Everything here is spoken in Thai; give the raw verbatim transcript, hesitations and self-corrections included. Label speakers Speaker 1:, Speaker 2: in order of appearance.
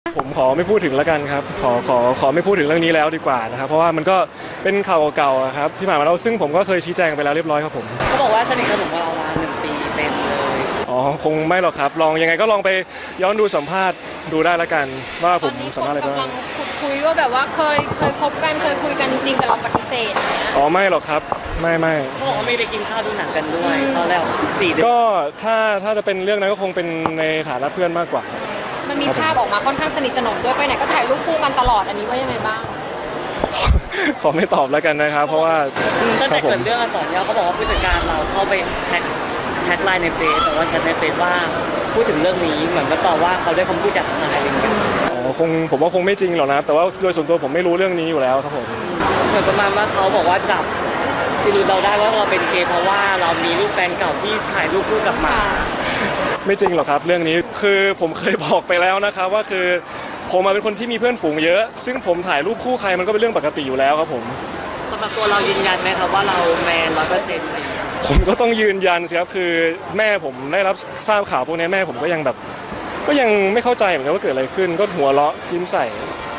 Speaker 1: ผมขอไม่พูดถึงแล้วกันครับขอขอขอไม่พูดถึงเรื่องนี้แล้วดีกว่านะครับเพราะว่ามันก็เป็นข่าวเก่าๆครับที่ผ่านมาแล้วซึ่งผมก็เคยชี้แจงไปแล้วเรียบร้อยครับผม
Speaker 2: เขาบอกว่าสนิทสนมกับเรามาหนึ่งปีเต็มเลย
Speaker 1: อ๋อคงไม่หรอกครับลองยังไงก็ลองไปย้อนดูสัมภาษณ์ดูได้แล้วกันว่าผมสัมภาษณ์อะไรบ้าง
Speaker 3: กำลังคุยว่าแบบว่าเคยเคยคบกันเคยคุยกันจริงๆแต่เราปฏิเสธ
Speaker 1: อ๋อไม่หรอกครับไม่ไม่
Speaker 2: เขาบอกว่าไม่ได้กินข้าวดูหนังกันด้วยตอนแรกสี่เดือน
Speaker 1: ก็ถ้าถ้าจะเป็นเรื่องนั้นก็คงเป็นในฐานะเพื่อนมากกว่า
Speaker 3: มันมีภาพออกมาค่อนข้างสนิทสนมด้วยไปไหนก็ถ่ายรูปคู่กันตลอดอันนี้ว่ายังไงบ้าง
Speaker 1: ขอไม่ตอบแล้วกันนะครับเพราะว่า
Speaker 2: ตั้งแต่เกิดเรื่องอักษรย่อเขาบอกว่าผู้จัดการเราเข้าไปแท็กแท็กไลน์ในเฟซแต่ว่าแชทในเฟซว่าพูดถึงเรื่องนี้เหมือนก็ตอบว่าเขาได้คำพูดจากใครอะไรอย่างเงี้ย
Speaker 1: อ๋อคงผมว่าคงไม่จริงหรอกนะแต่ว่าโดยส่วนตัวผมไม่รู้เรื่องนี้อยู่แล้วครับผม
Speaker 2: เหมือนประมาณว่าเขาบอกว่าจับคือเราได้ว่าเราเป็นเกย์เพราะว่าเรามีรูปแฟนเก่าที่ถ่ายรูปคู่กับหมา
Speaker 1: ไม่จริงหรอกครับเรื่องนี้คือผมเคยบอกไปแล้วนะครับว่าคือผมมาเป็นคนที่มีเพื่อนฝูงเยอะซึ่งผมถ่ายรูปคู่ใครมันก็เป็นเรื่องปกติอยู่แล้วครับผม
Speaker 2: สำหรับตัวเรายืนยันไหมครับว่าเราแมนร้อยเปอร์เซ็นต์
Speaker 1: ผมก็ต้องยืนยันสิครับคือแม่ผมได้รับทราบข่าวพวกนี้แม่ผมก็ยังแบบก็ยังไม่เข้าใจเหมือนกันว่าเกิดอะไรขึ้นก็หัวเราะยิ้มใส่